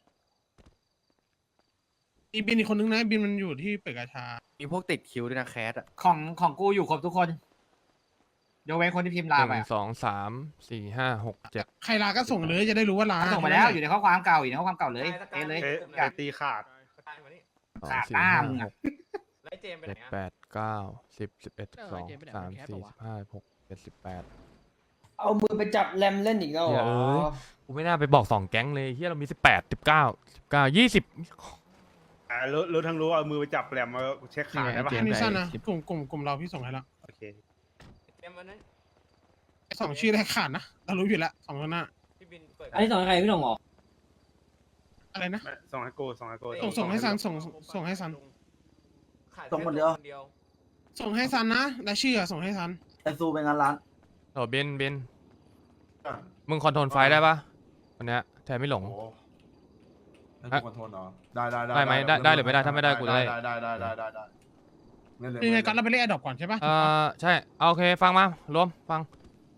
Speaker 8: อีบินอีกคนนึงนะบินมันอยู่ที่เปิดกาชา
Speaker 7: มีพวกติดคิวด้วยนะแคสอ่ะ
Speaker 3: ของของกูอยู่ครบทุกคนยกเว้นคนที่พิมพ์
Speaker 1: ห
Speaker 3: ลา
Speaker 1: นึ่
Speaker 3: ไป
Speaker 1: งสองสามสี่ห้าหกเจ็ด
Speaker 8: ใครลาก็ส่งเลยจะได้รู้ว่าลา
Speaker 3: ส่งมาแล้วอยู่ในข้อความเก่าอยู่ในข้อความเก่าเลยเอะเลย
Speaker 11: เอ๊ะ
Speaker 3: อ
Speaker 11: ไอย
Speaker 3: าก
Speaker 11: ตีขาด
Speaker 1: สอง
Speaker 3: ขาด
Speaker 1: สี่
Speaker 3: หน้า
Speaker 1: ห้า
Speaker 3: มึง
Speaker 1: ห
Speaker 3: อะ
Speaker 1: ก
Speaker 10: แล้วเจมไปไห
Speaker 1: เจ็
Speaker 10: น
Speaker 1: ด
Speaker 10: อะ
Speaker 1: แปดเก้าสิบสิบเอ็ดสิบสองสามสี่สิบห้าหกเจ็ดสิบแปด
Speaker 5: เอามือไปจับแรมเล่นอีกแล้ว
Speaker 1: เหี้ยเอ้ย กูไม่น่าไปบอกสองแก๊งเลยเฮียเรามีสิบแปดสิบเก้าสิบเก้ายี่สิบ
Speaker 11: อ่ารู้รู้ทั้งรู้เอามือไปจับแหลมมาเช็คขาได้ปะ
Speaker 8: อันนี้สั้นนะกลุ่มกลุ่มกลุ่มเราพี่ส่งให้แล้ว
Speaker 11: โอเค
Speaker 10: เจมวันนั้น
Speaker 8: สองชื่อแรกขาดนะเรารู้อยู่แล้วสองคนหน้า
Speaker 10: พี่บินเปิด
Speaker 5: อันนี้ต่อใครพี่หลงเหรอ
Speaker 8: อะไรนะ
Speaker 11: ไม่ส่งให้กูส่งให้กู
Speaker 8: ส่งส่งให้ซันส่งส่งให้ซัน
Speaker 10: ขาย
Speaker 7: ส่งคนเดียว
Speaker 10: เดียว
Speaker 8: ส่งให้ซันนะและชื่ออะส่งให้ซัน
Speaker 7: ไอซูเป็นงานร้าน
Speaker 1: โอ้เบนเบนมึงคอนโทรลไฟได้ปะวันเนี้ยแทนไม่หลง
Speaker 11: ให้กูคอนโทรลเหรอได้ได้
Speaker 1: ได้ไหมได้ได้หรือไม่ได้ถ้าไม่ได้กูจะได้
Speaker 11: ได้ได้ได้ได้ได้ได้เล่นเลย
Speaker 8: ยังไงก็เราไปเล่นแอดดอปก่อนใช่ปะ
Speaker 1: เออใช่เอาโอเคฟังมารวมฟัง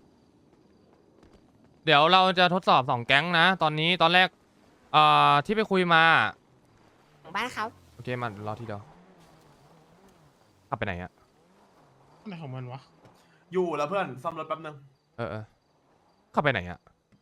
Speaker 1: เดี๋ยวเราจะทดสอบสองแก๊งนะ ตอนนี้ตอนแรกเอ่อที่ไปคุยมา
Speaker 4: บ้านครับ
Speaker 1: โอเคมารอทีเดียวขับไปไหนอะ
Speaker 8: อะไรของมันวะ
Speaker 11: อยู่แล้วเพื่อนซ่อมรถแป๊บนึง
Speaker 1: เออเออขับไปไหนอะ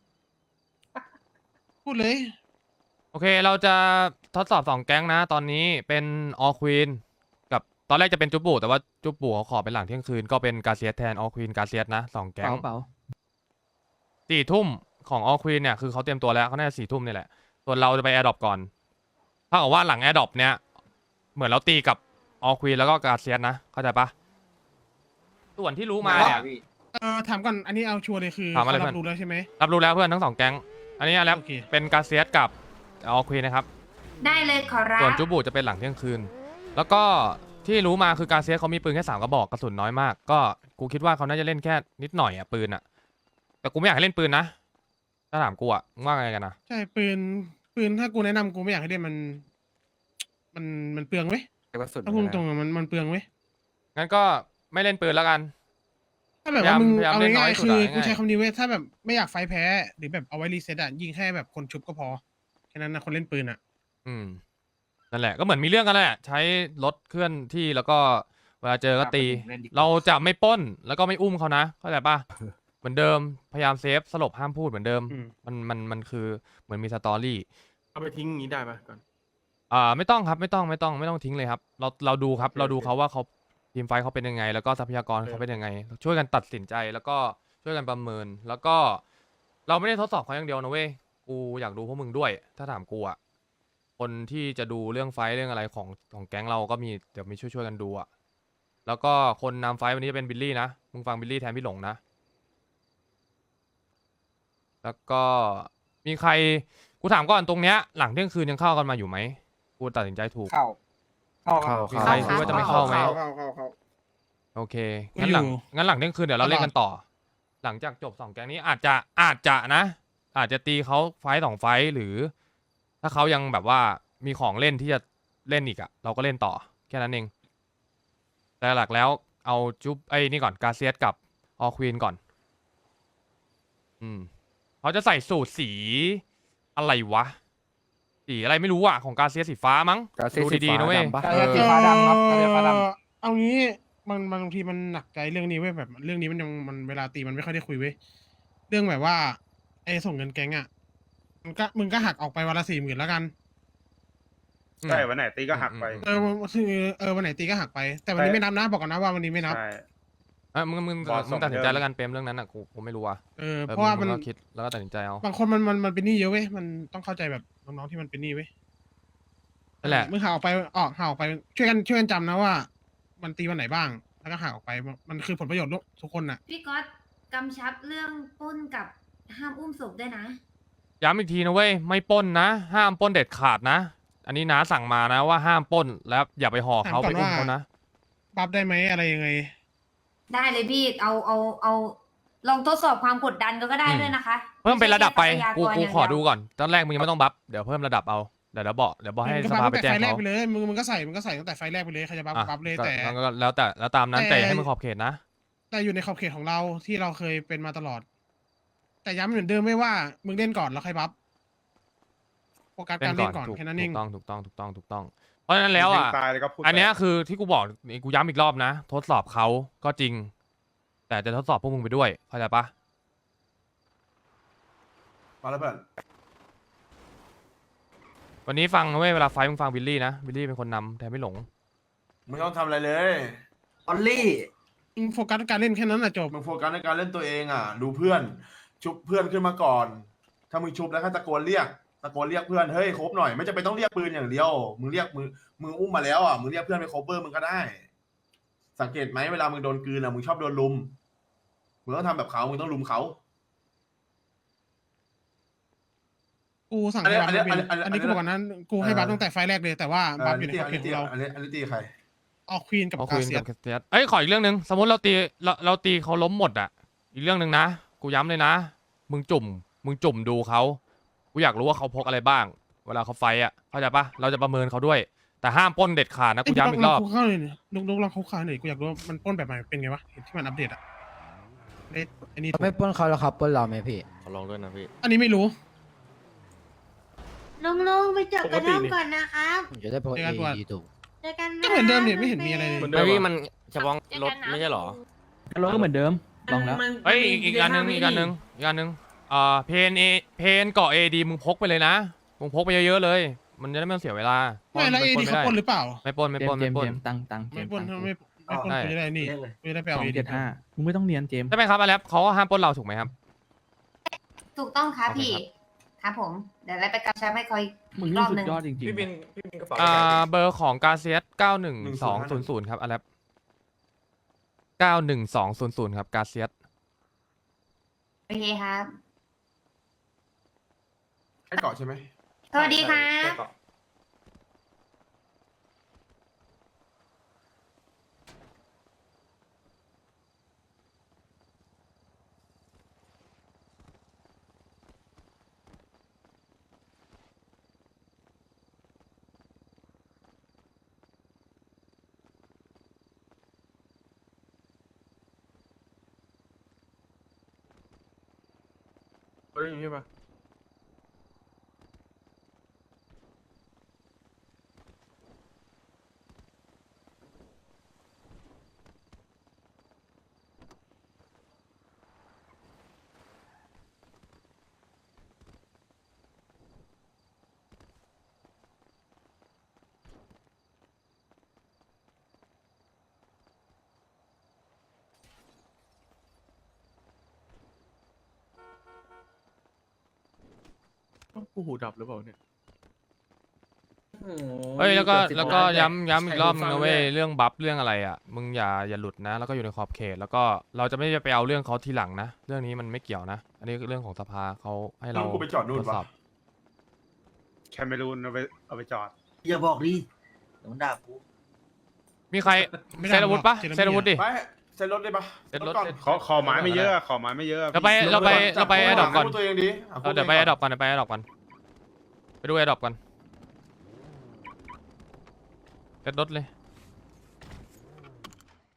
Speaker 8: พูดเลย
Speaker 1: โอเคเราจะทดสอบสองแก๊งนะ ตอนนี้เป็นออควีนกับตอนแรกจะเป็นจุบบูแต่ว่าจุบบูเขาขอเป็นหลังเที่ยงคืนก็เป็นกาเซียสแทนออควีนกาเซียสนะสองแก๊ง
Speaker 7: เปล่า
Speaker 1: สี่ทุ่มของออควีนเนี่ยคือเขาเตรียมตัวแล้วเขาน่าจะสี่ทุ่มนี่แหละส่วนเราจะไปแอร์ดรอปก่อนถ้ากับว่าหลังแอร์ดรอปเนี่ยเหมือนเราตีกับออควีนแล้วก็กาเซียสนะเข้าใจปะส่วนที่รู้มาเนี่ย
Speaker 8: เออถามก่อนอันนี้เอาชัวร์เลยคือ
Speaker 1: ถามอะไร
Speaker 8: เขา
Speaker 1: เพื่
Speaker 8: รั
Speaker 1: อน
Speaker 8: บรู้แล้วใช่ไหม
Speaker 1: รับรู้แล้วเพื่อนทั้งสองแก๊งอันนี้แล้ว
Speaker 8: โอเค
Speaker 1: เป็นกาเซียสกับออควีนนะครับ
Speaker 2: ได้เลยขอรับ
Speaker 1: ส่วนจูบูจะเป็นหลังเที่ยงคืน แล้วก็ที่รู้มาคือกาเซียสเขามีปืนแค่สามกระบอกกระสุนน้อยมาก ก็กูคิดว่าเขาน่าจะเล่นแค่นิดหน่อยอ่ะปืนอ่ะ แต่กูไม่อยากให้เล่นปืนนะ ถ้าถามกูอ่ะมึงว่าไงกันนะ
Speaker 8: ใช่ปืนปืนถ้ากูแนะนำกูไม่อยากให้เล่นมัน มันมันเปลืองเว้ย
Speaker 7: ไอ้กระสุน
Speaker 8: ถ้าพูดตรงๆอะมันมันเปลืองเว้ย
Speaker 1: งั้นก็ไม่เล่นปืนแล้วกัน
Speaker 8: ถ้าแบบว่ามึง
Speaker 1: พยายาม
Speaker 8: เอา
Speaker 1: เล่นน้
Speaker 8: ง่า
Speaker 1: อย ย
Speaker 8: ๆ
Speaker 1: สุด
Speaker 8: คือ
Speaker 1: อะ
Speaker 8: กูใช้
Speaker 1: ง่าย
Speaker 8: คำนี้เว้ยถ้าแบบไม่อยากไฟแพ้หรือแบบเอาไว้รีเซ็ตอ่ะยิงแค่แบบคนชุบก็พอแค่นั้นนะคนเล่นปืนอ่ะ
Speaker 1: อืมนั่นแหละก็เหมือนมีเรื่องกันแหละ ใช้รถเคลื่อนที่แล้วก็เวลาเจอก็ตี
Speaker 3: เล่นดีกว่า
Speaker 1: เราจะไม่ปล้นแล้วก็ไม่อุ้มเขานะเข้าใจปะเหมือนเดิมพยายามเซฟสลบห้ามพูดเหมือนเดิม
Speaker 8: อืม
Speaker 1: มันมันมันคือเหมือนมีสตอรี่
Speaker 11: เอาไปทิ้งอย่างนี้ได้ไหมก่อน
Speaker 1: อ่าไม่ต้องครับไม่ต้องไม่ต้องไม่ต้องทิ้งเลยครับ เราเราดูครับ
Speaker 11: โอเค
Speaker 1: เราดู
Speaker 11: โอเค
Speaker 1: เขาว่าเขาทีมไฟท์เขาเป็นยังไง แล้วก็ทรัพยากร
Speaker 11: เออ
Speaker 1: เขาเป็นยังไง ช่วยกันตัดสินใจแล้วก็ช่วยกันประเมิน แล้วก็ เราไม่ได้ทดสอบเขาอย่างเดียวนะเว้ยกูอยากดูพวกมึงด้วย ถ้าถามกูอ่ะคนที่จะดูเรื่องไฟท์เรื่องอะไรของของแก๊งเราก็มีเดี๋ยวมีช่วยช่วยๆกันดูอ่ะแล้วก็คนนำไฟท์วันนี้จะเป็นบิลลี่นะมึงฟังบิลลี่แทนพี่หลงนะ แล้วก็มีใครกูถามก่อนตรงเนี้ยหลังเที่ยงคืนยังเข้ากันมาอยู่ไหมกูตัดสินใจถูก
Speaker 3: เข้าเข้า
Speaker 7: เข้า
Speaker 1: มีใครคิดว่าจะไม่เข้าไหม
Speaker 11: เข้าเข้าเข้า
Speaker 1: โอเค งั้นหลัง
Speaker 8: อยู่
Speaker 1: งั้นหลังเที่ยงคืนเดี๋ยวเราเล่นกันต่อ หลังจากจบสองแก๊งนี้อาจจะอาจจะนะ อาจจะตีเขาไฟต์สองไฟต์หรือ ถ้าเขายังแบบว่ามีของเล่นที่จะเล่นอีกอะเราก็เล่นต่อแค่นั้นเอง แต่หลักแล้วเอาจุ๊บไอ้นี่ก่อนกาเซียสกับออควีนก่อน อืมเขาจะใส่สูตรสีอะไรวะ สีอะไรไม่รู้อะของกาเซียสสีฟ้ามั้ง
Speaker 7: กาเซียส
Speaker 1: ดู
Speaker 7: สี
Speaker 1: ดีๆ
Speaker 7: ฟ้า
Speaker 1: นะเว้ย
Speaker 7: ดำปะ
Speaker 3: กาเซียสสีฟ้าดำครับกาเซียสฟ้าดำ
Speaker 8: เอ่อเอางี้มันมันบางทีมันหนักใจเรื่องนี้เว้ยแบบ เรื่องนี้มันยังมันเวลาตีมันไม่ค่อยได้คุยเว้ยเรื่องแบบว่าไอ้ส่งเงินแก๊งอ่ะมันก็มึงก็หักออกไปวันละสี่หมื่นแล้วกัน
Speaker 1: อืม
Speaker 11: ใช่วันไหนตีก็หักไป
Speaker 8: เออคือเออวันไหนตีก็หักไป แต่วันนี้ไม่นับนะบอกก่อนนะว่าวันนี้ไม่นับ
Speaker 11: ใช่
Speaker 1: เอ้ยมึงมึง
Speaker 11: บอสส่
Speaker 1: มึ
Speaker 11: ง
Speaker 1: งตัดสินใจ
Speaker 11: เยอะ
Speaker 1: แล้วกันเปรมเรื่องนั้นอ่ะกูกูไม่รู้อ่ะ
Speaker 8: เออ
Speaker 1: เออ
Speaker 8: เพราะว่ามัน
Speaker 1: งก็คิดแล้วก็ตัดสินใจเอา
Speaker 8: บางคนมันมันมันเป็นหนี้เยอะเว้ยมันต้องเข้าใจแบบน้องๆที่มันเป็นหนี้เว้ย
Speaker 1: นั่นแหละ
Speaker 8: มึงหาออกไปออกหาออกไปช่วยกันช่วยกันจำนะว่า มันตีวันไหนบ้าง แล้วก็หาออกไปมันมันคือผลประโยชน์ทุกคนน่ะ
Speaker 2: พี่ก๊อตกำชับเรื่องปล้นกับห้ามอุ้มศพด้วยนะ
Speaker 1: ย้ำอีกทีนะเว้ยไม่ปล้นนะ ห้ามปล้นเด็ดขาดนะ อันนี้น้าสั่งมานะว่าห้ามปล้นแล้วอย่าไปห่อเขา
Speaker 8: ถามก่
Speaker 1: ไป
Speaker 8: อน
Speaker 1: อุ้ม
Speaker 8: ว่า
Speaker 1: เขานะ
Speaker 8: บัฟได้ไหมอะไรยังไง
Speaker 2: ได้เลยพี่เอาเอาเอาลองทดสอบความกดดันก็ได้
Speaker 1: อืม
Speaker 2: ด้วยนะคะ
Speaker 1: เพิ่มเป็นระดับไป
Speaker 2: ม่ใช่แค่ทรัพยาก
Speaker 1: กูกู
Speaker 2: ย่าง
Speaker 1: ขอ
Speaker 2: เยว
Speaker 1: ดูก่อนตอนแรกมึงยังไม่ต้องบัฟเดี๋ยวเพิ่มระดับเอาเดี๋ยวเดี๋ยวบอกเดี๋ยวบอกให้
Speaker 8: มึงก็
Speaker 1: ส
Speaker 8: บัฟ
Speaker 1: ภา
Speaker 8: ตั้
Speaker 1: ไป
Speaker 8: งแต่
Speaker 1: แจ้
Speaker 8: ไฟ
Speaker 1: ง
Speaker 8: แรก
Speaker 1: เขา
Speaker 8: ไปเลยมึงมึงก็ใส่มึงก็ใส่ตั้งแต่ไฟแรกไปเลยใครจะบัฟ
Speaker 1: อ่ะ
Speaker 8: บัฟเลย
Speaker 1: ก็
Speaker 8: แต่
Speaker 1: ก็แล้วแต่แล้วตามนั้น
Speaker 8: แต่
Speaker 1: แต่ให้มันขอบเขตนะ
Speaker 8: แต่อยู่ในขอบเขตของเราที่เราเคยเป็นมาตลอด แต่ย้ำเหมือนเดิมไม่ว่ามึงเล่นก่อนแล้วค่อยบัฟโฟกัส
Speaker 1: เล่
Speaker 8: การ
Speaker 1: น
Speaker 8: เล่
Speaker 1: ก่อน
Speaker 8: นก่อน
Speaker 1: ถูก
Speaker 8: แค่นั้นเอง
Speaker 1: ถูกต้องถูกต้องถูกต้องถูกต้อง เพราะฉะนั้นแล้วอ่ะ
Speaker 11: ตายเลยก็พูด
Speaker 1: อันเนี้ยคือที่กูบอกนี่กูย้ำอีกรอบนะ ทดสอบเขาก็จริง แต่จะทดสอบพวกมึงไปด้วยเข้าใจปะ
Speaker 11: มาแล้วเพื่อน
Speaker 1: วันนี้ฟังนะเว้ยเวลาไฟท์มึงฟังบิลลี่นะบิลลี่เป็นคนนำแต่ไม่หลง
Speaker 11: มึงต้องทำอะไรเลยออลลี่
Speaker 8: มึงโฟกัสการเล่นแค่นั้นแหละจบ
Speaker 11: มึงโฟกัสในการเล่นตัวเองอ่ะ ดูเพื่อน ชุบเพื่อนขึ้นมาก่อน ถ้ามึงชุบแล้วก็ตะโกนเรียกตะโกนเรียกเพื่อนเฮ้ยครบหน่อยไม่จำเป็นต้องเรียกปืนอย่างเดียวมึงเรียกมือมึงอุ้มมาแล้วอ่ะมึงเรียกเพื่อนไปโคเวอร์มึงก็ได้ สังเกตไหมเวลามึงโดนกลืนอ่ะมึงชอบโดนลุมมึงต้องทำแบบเขามึงต้องลุมเขา
Speaker 8: กูสั่ง
Speaker 11: อันนี้
Speaker 8: ให้บัฟไม่เป็น
Speaker 11: อันนี้อันนี้
Speaker 8: อันนี้กูบอกก่อนนั้นกูให้บัฟตั้งแต่ไฟแรกเลยแต่ว่าบัฟอยู่ในขอบเขตของเรา
Speaker 11: อันนี้อันนี้ตีใคร
Speaker 8: ออกควีนกับ
Speaker 1: เอา
Speaker 8: กา
Speaker 1: คุย
Speaker 8: เซีย
Speaker 1: กับเซียสเอ้ยขออีกเรื่องหนึ่งสมมติเราตีเราเราตีเขาล้มหมดอ่ะ อีกเรื่องหนึ่งนะ กูย้ำเลยนะ มึงจุ่ม มึงจุ่มดูเขา กูอยากรู้ว่าเขาพกอะไรบ้าง เวลาเขาไฟท์อ่ะ เข้าใจปะเราจะประเมินเขาด้วย แต่ห้ามปล้นเด็ดขาดนะ กูย้ำอีกรอบ
Speaker 8: คุกเข้าเลยลุกลุกลองคุกเข้าหน่อยกูอยากรู้ว่ามันปล้นแบบไหนเป็นไงวะเห็นที่มันอัปเดตอะเอ้ยอันนี้ถูก
Speaker 7: ไม่ปล้นเขาแล้วครับปล้นเราไหมพี่
Speaker 10: ขอลองด้วยนะพี่
Speaker 8: อันนี้ไม่รู้
Speaker 4: ลุงลุงไปจบกระท่อมก่อนนะครับ
Speaker 7: ผมจะได้โพส
Speaker 8: เจอกันตัว
Speaker 7: เอถูก
Speaker 4: เจอกันนะ
Speaker 8: ก็เหมือนเดิมเนี่ยไม่เห็นมีอะไรเลย
Speaker 10: ไม่พี่มันเฉพาะรถไม่ใช่เหรอ
Speaker 5: รถก็เหมือนเดิมลองแล้ว
Speaker 1: เฮ้ยอีกอีกอันหนึ่งอีกอันหนึ่งอีกอันหนึ่งอ่าเพนเอเพนเกาะเอดีมึงพกไปเลยนะ มึงพกไปเยอะๆเลย มันจะได้ไม่ต้องเสียเวลา
Speaker 8: ไม่แล้วเอดีเขาปล้นหรือเปล่า
Speaker 1: ไม่ปล้นไม่ปล้นไม่ปล้น
Speaker 5: ตังตัง
Speaker 8: ไม่ปล้นถ้าไม่ไม่ปล้น
Speaker 1: ใช่
Speaker 8: กูจะได้นี่กูจะได้ไปเอา
Speaker 5: สอง
Speaker 8: เอดี
Speaker 5: เจ็ดห้ามึงไม่ต้องเนียนเจมส์
Speaker 1: ใช่ไหมครับอาแลปเขาก็ห้ามปล้นเราถูกไหมครับ
Speaker 2: ถูกต้องครับ
Speaker 1: โอเค
Speaker 2: พี่ ครับผม เดี๋ยวเราไปกำชับให้คอย
Speaker 5: มึง
Speaker 2: อีกร
Speaker 5: นี่
Speaker 2: อบ
Speaker 5: สุ
Speaker 2: หนึ่
Speaker 5: ด
Speaker 2: ง
Speaker 5: ยอดจริง
Speaker 10: พี่บินพี่บินกระเป๋า
Speaker 1: อ่าเบอร์ของกาเซียสเก้าหนึ่งสองศูนย์ศูนย์ครับอาแลปเก้าหนึ่งสองศูนย์ศูนย์ครับกาเซียส
Speaker 2: โอเคครับ
Speaker 11: ให้เกาะใช่ไหม
Speaker 2: สวัสดีครับ
Speaker 10: เฮ้ยใช่ปะ
Speaker 5: กูหูดับหรือเปล่าเนี่ย
Speaker 1: เฮ้ยแล้วก็แล้วก็ย้ำย้ำอีกรอบนึงนะเว้ยเรื่องบัฟเรื่องอะไรอ่ะมึงอย่าอย่าหลุดนะ แล้วก็อยู่ในขอบเขต แล้วก็เราจะไม่ไปเอาเรื่องเขาทีหลังนะ เรื่องนี้มันไม่เกี่ยวนะ อันนี้คือเรื่องของสภาเขาให้เรา
Speaker 11: นู่นกูไปจอดนู่น
Speaker 1: ตรวจสอบ
Speaker 11: ปะ แคมเมรูนเอาไปเอาไปจอด
Speaker 7: อย่าบอกดิเดี๋ยวด่ากู
Speaker 1: มีใคร
Speaker 8: ไม่ได้
Speaker 1: เซตอาวุธปะ
Speaker 8: หรอก
Speaker 1: เซตอาวุธดิ
Speaker 11: ไปเซ็นรถได้ปะ
Speaker 1: เซ็นรถ
Speaker 11: ก่อน
Speaker 12: ขอขอไม้ไม่เยอะ ขอไม้ไม่เยอะ
Speaker 1: เราไปเราไปเราไปแอดดอปก่อน
Speaker 11: พูดตัวเองดิะ
Speaker 1: เออเดี๋ยวไปแอดดอปก่อนเดี๋ยวไปแอดดอปก่อนไปดูแอดดอปก่อนเซ็ตรถเลย